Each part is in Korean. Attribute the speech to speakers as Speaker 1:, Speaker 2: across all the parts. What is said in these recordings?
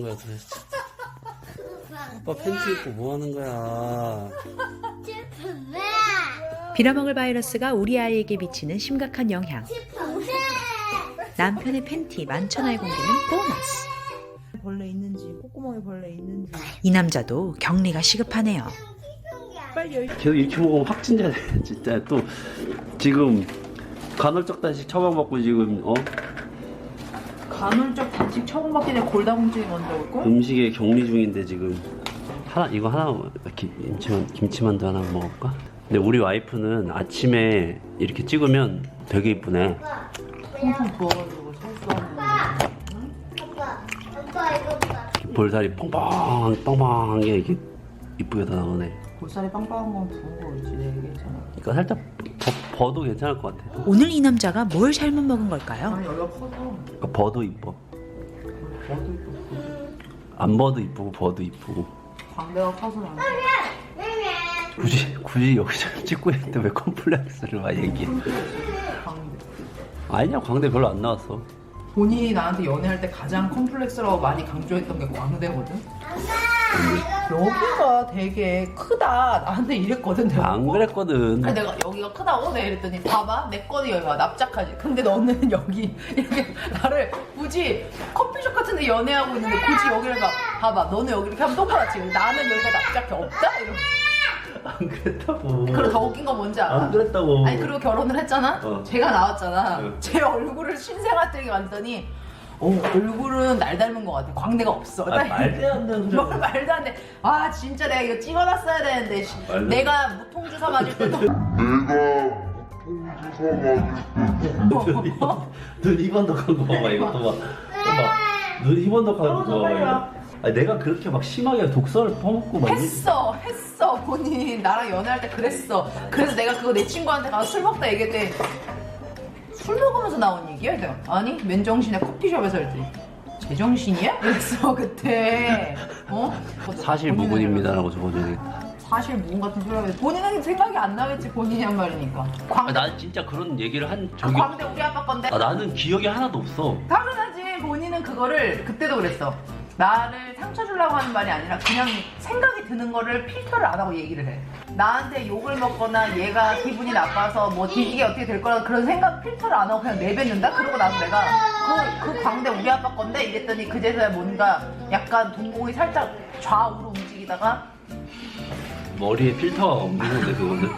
Speaker 1: 거야 도대체? 오빠 팬티 입고 뭐 하는 거야?
Speaker 2: 빌어먹을 바이러스가 우리 아이에게 미치는 심각한 영향. 남편의 팬티 만천하에 공개는 보너스.
Speaker 3: 벌레 있는지, 콧구멍에 벌레 있는지.
Speaker 2: 이 남자도 격리가 시급하네요.
Speaker 3: 빨리 열심히.
Speaker 1: 계속 이렇게 먹으면 확진자 돼 진짜. 또 지금 간헐적 단식 처방받고 지금
Speaker 3: 간헐적 단식 처방받기 전에 골다공증이 먼저 올걸?
Speaker 1: 음식에 격리 중인데 지금 이거 하나 김치만두 하나 먹을까? 근데 우리 와이프는 아침에 이렇게 찍으면 되게 이쁘네.
Speaker 3: 통통 부어가지고 설수하는.
Speaker 1: 볼살이 뻥뻥한 게 이렇게 이쁘게 다 나오네.
Speaker 3: 볼살이 빵빵한 건 부은 거겠지, 내 얘기했잖아.
Speaker 1: 그러니까 살짝 버도 괜찮을 것 같아.
Speaker 2: 오늘 이 남자가 뭘 잘못 먹은 걸까요?
Speaker 3: 아니, 여기가 커서.
Speaker 1: 그러니까 버도 이뻐.
Speaker 3: 버도 있고.
Speaker 1: 안 버도 이쁘고 버도 이쁘고.
Speaker 3: 광대가 커서 안 돼.
Speaker 1: 굳이 여기서 찍고 있는데 왜 컴플렉스를 막 얘기해?
Speaker 3: 광대.
Speaker 1: 아니야, 광대 별로 안 나왔어.
Speaker 3: 본인이 나한테 연애할 때 가장 컴플렉스라고 많이 강조했던 게 광대거든? 여기가 되게 크다. 나한테 이랬거든. 내가
Speaker 1: 안
Speaker 3: 보고.
Speaker 1: 그랬거든.
Speaker 3: 아니 내가 여기가 크다고 내가 이랬더니 봐봐 내 거는 여기가 납작하지. 근데 너는 여기 이렇게 나를 굳이 커피숍 같은데 연애하고 있는데 굳이 여기를 봐봐 너는 여기 이렇게 하면 똑같지. 나는 여기가 납작해 없다? 이러고.
Speaker 1: 안 그랬다고.
Speaker 3: 그리고 더 웃긴 건 뭔지 알아?
Speaker 1: 안 그랬다고.
Speaker 3: 아니 그리고 결혼을 했잖아? 제가 나왔잖아.
Speaker 1: 응.
Speaker 3: 제 얼굴을 신생아들에게 만드더니 얼굴은 날 닮은 것 같아. 광대가 없어.
Speaker 1: 말도 안 되는 소리.
Speaker 3: 뭘 말도 안 돼. 아 진짜 내가 이거 찍어놨어야 되는데 내가 무통주사 맞을 때도
Speaker 1: 눈 희번덕한 거 봐봐. 이것도 봐. 봐봐. 눈 희번덕한 거 봐봐. 아니, 내가 그렇게 막 심하게 독서를 퍼먹고 막
Speaker 3: 했어 본인 나랑 연애할 때 그랬어. 그래서 내가 그거 내 친구한테 가서 술 먹다 얘기했더니 술 먹으면서 나온 얘기야? 내가 아니 맨정신에 커피숍에서 할 때 제정신이야? 그랬어 그때.
Speaker 1: 사실 무근입니다라고 적어줘야 되겠다.
Speaker 3: 사실 무근 같은 소리 하면 본인은 생각이 안 나겠지. 본인이 한 말이니까.
Speaker 1: 난 진짜 그런 얘기를 한 적이
Speaker 3: 광대 우리 아빠 건데.
Speaker 1: 나는 기억이 하나도 없어.
Speaker 3: 당연하지. 본인은 그거를 그때도 그랬어. 나를 상처 주려고 하는 말이 아니라 그냥 생각이 드는 거를 필터를 안 하고 얘기를 해. 나한테 욕을 먹거나 얘가 기분이 나빠서 뭐 뒤지게 어떻게 될 거라 그런 생각 필터를 안 하고 그냥 내뱉는다? 그러고 나서 내가 그 광대 우리 아빠 건데 이랬더니 그제서야 뭔가 약간 동공이 살짝 좌우로 움직이다가
Speaker 1: 머리에 필터가 없는 건데 그거는.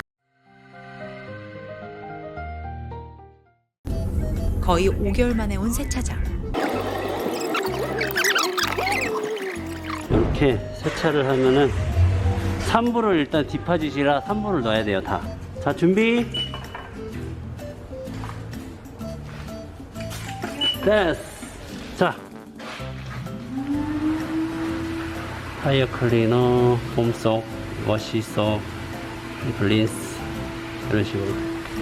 Speaker 2: 거의 5개월 만에 온 세차장.
Speaker 1: 이렇게 세차를 하면은 3부를 일단 딥파짓이라 3부를 넣어야 돼요. 다. 자, 준비. 됐어. 자, 타이어 클리너, 폼속, 워시속, 블린스 이런 식으로.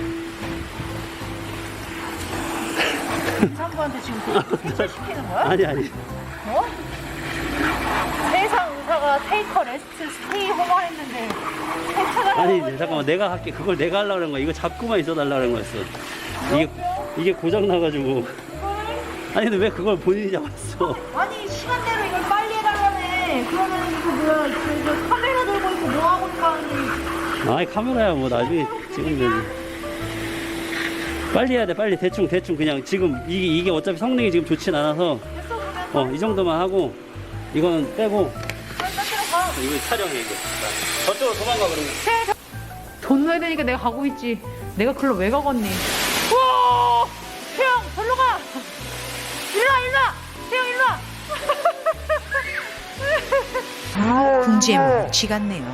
Speaker 3: 사람한테 지금 세차 시키는 거야?
Speaker 1: 아니
Speaker 3: 어? 세상 의사가 테이커 레스트 스테이 홈화 했는데 세차가
Speaker 1: 아니 잠깐만, 내가 할게. 그걸 내가 하려고 그런 거야. 이거 잡고만 있어 달라는 거였어. 이게 고장 나가지고. 아니 근데 왜 그걸 본인이 잡았어?
Speaker 3: 아니 시간대로 이걸 빨리 해달라네. 그러면 그 뭐야 저 카메라 들고 있고 뭐 하고 있고 하니.
Speaker 1: 아이 카메라야 뭐 나중에 찍으면 되지. 빨리 해야 돼. 빨리 대충 그냥 지금 이게 어차피 성능이 지금 좋진 않아서 이 정도만 하고 이거는 빼고 이거 촬영해 이거. 저쪽으로 도망가 그러면.
Speaker 3: 돈 넣어야 되니까 내가 가고 있지. 내가 글로 왜 가겠니? 우와! 태영 절로 가! 일로와! 태영 일로와!
Speaker 2: 궁지에 몸을 쥐 같네요.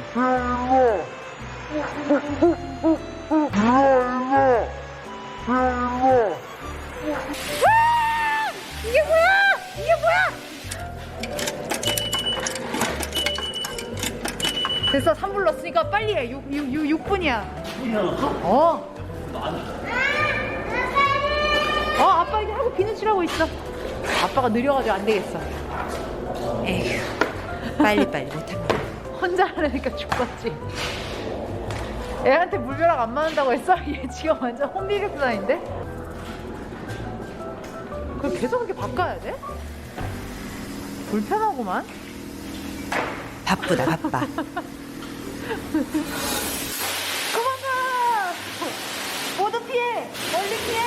Speaker 3: 이게 뭐야! 됐어 3분 넣었으니까 빨리 해. 6분이야. 아빠 이제 하고 비누 칠하고 있어. 아빠가 느려가지고 안 되겠어.
Speaker 2: 에휴, 빨리빨리 못합니다.
Speaker 3: 혼자 하려니까 죽겠지. 애한테 물벼락 안 맞는다고 했어? 얘 지금 완전 혼비백산인데? 그걸 계속 이렇게 바꿔야 돼? 불편하구만.
Speaker 2: 바쁘다 바빠.
Speaker 3: 도망가! 모두 피해! 멀리 피해!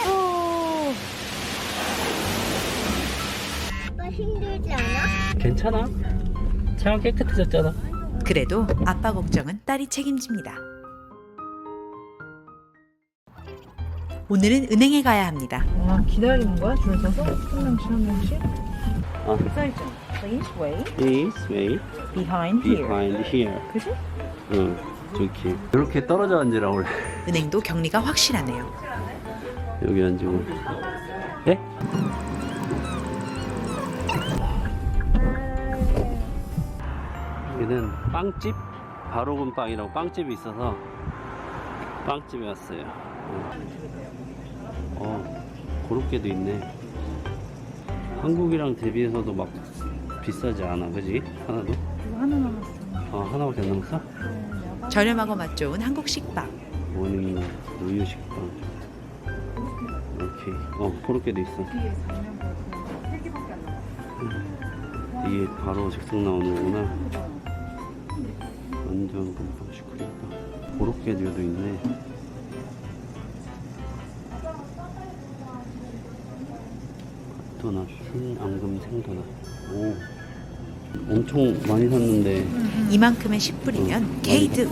Speaker 4: 아빠 힘들지 않아?
Speaker 1: 괜찮아. 차가 깨끗해졌잖아.
Speaker 2: 그래도 아빠 걱정은 딸이 책임집니다. 오늘은 은행에 가야 합니다.
Speaker 3: 와, 기다리는 거야? 줄 서서? 한 명씩 한 명씩?
Speaker 1: 어.
Speaker 3: 써있죠. Please wait
Speaker 1: Please wait
Speaker 3: behind here.
Speaker 1: behind here.
Speaker 3: 그지?
Speaker 1: 응, 좋게. 이렇게 떨어져 앉으라 원래.
Speaker 2: 은행도 격리가 확실하네요.
Speaker 1: 여기 앉고. 네? 여기는 빵집 바로군 빵이라고 빵집이 있어서 빵집에 왔어요. 고로케도 있네. 한국이랑 대비해서도 막 비싸지 않아, 그지? 하나도?
Speaker 3: 이거 하나 남았어.
Speaker 1: 하나밖에 안 남았어?
Speaker 2: 저렴하고 맛 좋은 한국 식빵.
Speaker 1: 모닝 우유 식빵. 오케이. 고로케도 있어.
Speaker 3: 뒤에 작년 거고 3개밖에 안 남았어.
Speaker 1: 이게 바로 즉석 나오는 거구나. 완전 금방 시크릿다. 고로케류도 있네. 도넛, 흰 앙금 생도넛. 오, 엄청 많이 샀는데.
Speaker 2: 이만큼에 10불이면 게이드.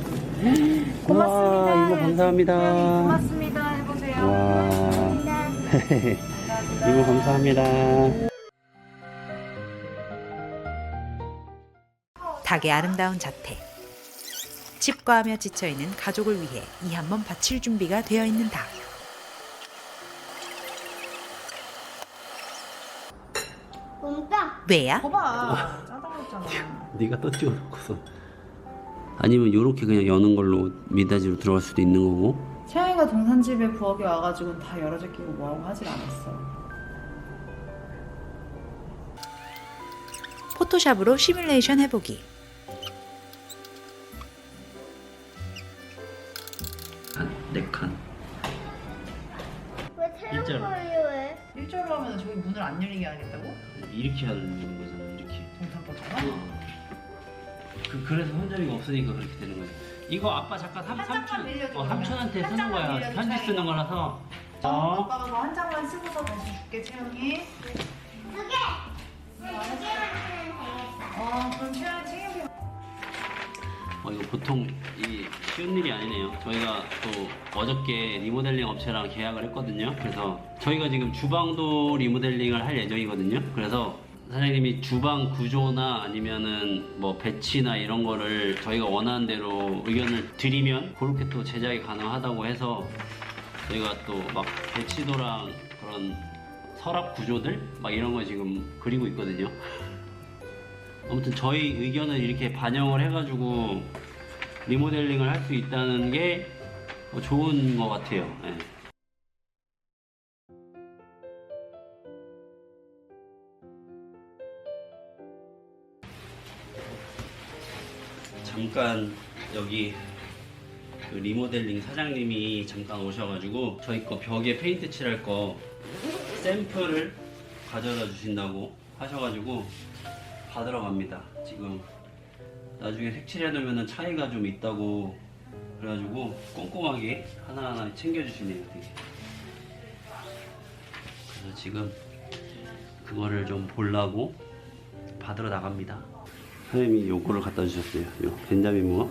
Speaker 1: 고맙습니다. 이모 감사합니다.
Speaker 3: 고맙습니다. 해보세요.
Speaker 1: 와, 이모 감사합니다.
Speaker 2: 닭의 아름다운 자태. 집과하며 지쳐있는 가족을 위해 이 한 번 바칠 준비가 되어 있는 닭.
Speaker 4: 몽땅.
Speaker 2: 왜야?
Speaker 3: 거봐. 짜장했잖아.
Speaker 1: 네가 또 찍어놓고서. 아니면 요렇게 그냥 여는 걸로 미닫이로 들어갈 수도 있는 거고.
Speaker 3: 채영이가 동산집에 부엌에 와가지고 다 열어져 끼고 뭐하고 하질 않았어.
Speaker 2: 포토샵으로 시뮬레이션 해보기.
Speaker 1: 네 칸.
Speaker 4: 왜 태양
Speaker 1: 일자로.
Speaker 4: 걸려해?
Speaker 3: 일절로 하면 저기 문을 안 열리게 하겠다고?
Speaker 1: 이렇게 하는 거잖아, 이렇게.
Speaker 3: 동산법처럼?
Speaker 1: 그래서 혼자리가 없으니까 그렇게 되는 거지. 이거 아빠 잠깐
Speaker 3: 한 장만 빌려줘, 그러면.
Speaker 1: 삼촌한테
Speaker 3: 한
Speaker 1: 쓰는
Speaker 3: 장만
Speaker 1: 거야.
Speaker 3: 빌려줘,
Speaker 1: 편지
Speaker 3: 차라리.
Speaker 1: 쓰는 거라서.
Speaker 3: 아빠가 그거 한 장만 쓰고서 다시 줄게, 채영이.
Speaker 4: 두 개. 두 개만 쓰면 되겠다.
Speaker 3: 그럼 채영이 책임져.
Speaker 1: 이거 보통 이 쉬운 일이 아니네요. 저희가 또 어저께 리모델링 업체랑 계약을 했거든요. 그래서 저희가 지금 주방도 리모델링을 할 예정이거든요. 그래서 사장님이 주방 구조나 아니면은 뭐 배치나 이런 거를 저희가 원하는 대로 의견을 드리면 그렇게 또 제작이 가능하다고 해서 저희가 또 막 배치도랑 그런 서랍 구조들 막 이런 거 지금 그리고 있거든요. 아무튼 저희 의견을 이렇게 반영을 해가지고 리모델링을 할 수 있다는 게 좋은 것 같아요. 예. 잠깐 여기 그 리모델링 사장님이 잠깐 오셔가지고 저희 거 벽에 페인트 칠할 거 샘플을 가져다 주신다고 하셔가지고 받으러 갑니다. 지금 나중에 색칠해 놓으면 차이가 좀 있다고 그래가지고 꼼꼼하게 하나하나 챙겨주시네요. 되게. 그래서 지금 그거를 좀 보려고 받으러 나갑니다. 선생님이 요거를 갖다 주셨어요. 요 벤자민 무어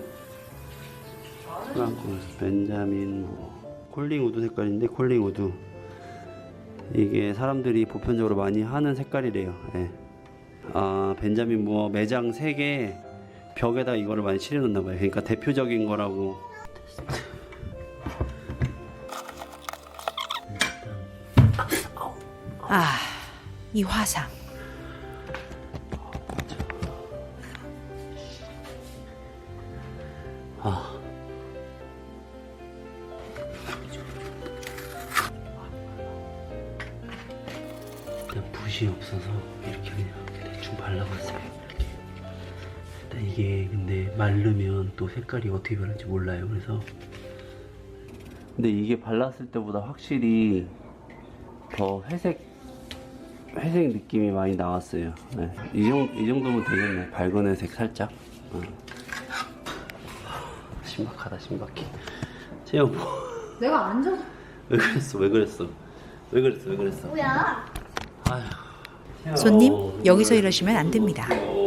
Speaker 1: 벤자민 무어 콜링 우드 색깔인데 콜링 우드 이게 사람들이 보편적으로 많이 하는 색깔이래요. 예. 벤자민 무어 매장 3개 벽에다 이거를 많이 칠해 놓나 봐요. 그러니까 대표적인 거라고.
Speaker 2: 이 화상.
Speaker 1: 일단 붓이 없어서 이렇게 그냥 대충 발라봤어요. 이렇게. 일단 이게 근데 마르면 또 색깔이 어떻게 변할지 몰라요. 그래서 근데 이게 발랐을 때보다 확실히 더 회색 회색 느낌이 많이 나왔어요. 네. 이 정도면 되겠네. 밝은 회색 살짝. 신박하다, 신박해. 채영,
Speaker 3: 내가 앉아서.
Speaker 1: 왜 그랬어? 왜 그랬어? 왜 그랬어? 왜 그랬어?
Speaker 4: 뭐야?
Speaker 1: 아휴.
Speaker 2: 손님, 여기서 이러시면 안 됩니다.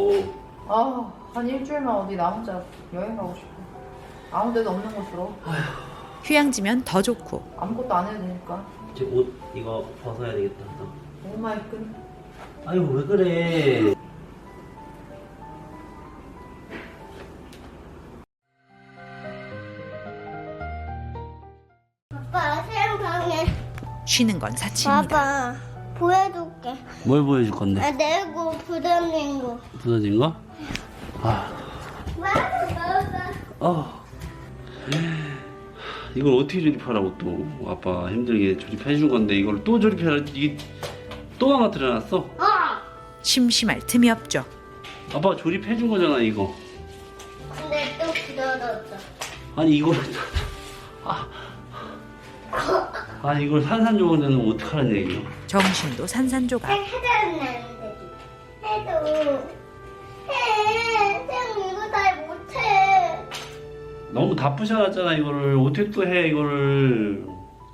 Speaker 3: 한 일주일만 어디 나 혼자 여행 가고 싶어. 아무 데도 없는 곳으로.
Speaker 2: 휴양지면 더 좋고
Speaker 3: 아무것도 안 해도 되니까.
Speaker 1: 이제 옷 이거 벗어야 되겠다.
Speaker 3: 오마이끈.
Speaker 1: 아유, 왜 그래?
Speaker 4: 아빠, 새로 방에.
Speaker 2: 쉬는 건 사치입니다.
Speaker 4: 봐봐. 보여줄게.
Speaker 1: 뭘 보여줄 건데?
Speaker 4: 아, 내고 부담된 거.
Speaker 1: 부서진 거? 아,
Speaker 4: 봐봐.
Speaker 1: 이걸 어떻게 조립하라고 또? 아빠 힘들게 조립해 준 건데 이걸 또 조립해라. 이게 또 망가뜨려놨어?
Speaker 2: 심심할 틈이 없죠.
Speaker 1: 아빠가 조립해 준 거잖아 이거.
Speaker 4: 근데 또 굳어졌어.
Speaker 1: 아니 이걸 아니 이걸 산산조각 내면 어떡하는 얘기야?
Speaker 2: 정신도 산산조각.
Speaker 4: 해달라는 되지. 해도. 해. 쌤 이거 잘 못해.
Speaker 1: 너무 다 부셔놨잖아 이거를. 어떻게 또 해 이거를.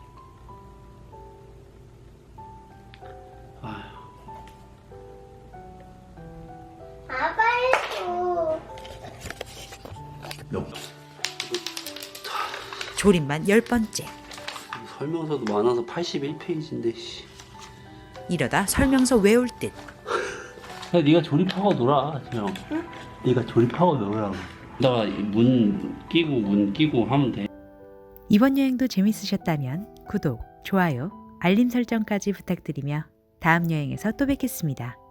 Speaker 4: 아빠 해줘.
Speaker 2: 조립만 10번째.
Speaker 1: 설명서도 많아서 81페이지인데 씨.
Speaker 2: 이러다 설명서 외울 듯.
Speaker 1: 야, 네가 조립하고 놀아, 형. 응? 네가 조립하고 놀으라고. 나가 문 끼고 하면 돼.
Speaker 2: 이번 여행도 재밌으셨다면 구독, 좋아요, 알림 설정까지 부탁드리며 다음 여행에서 또 뵙겠습니다.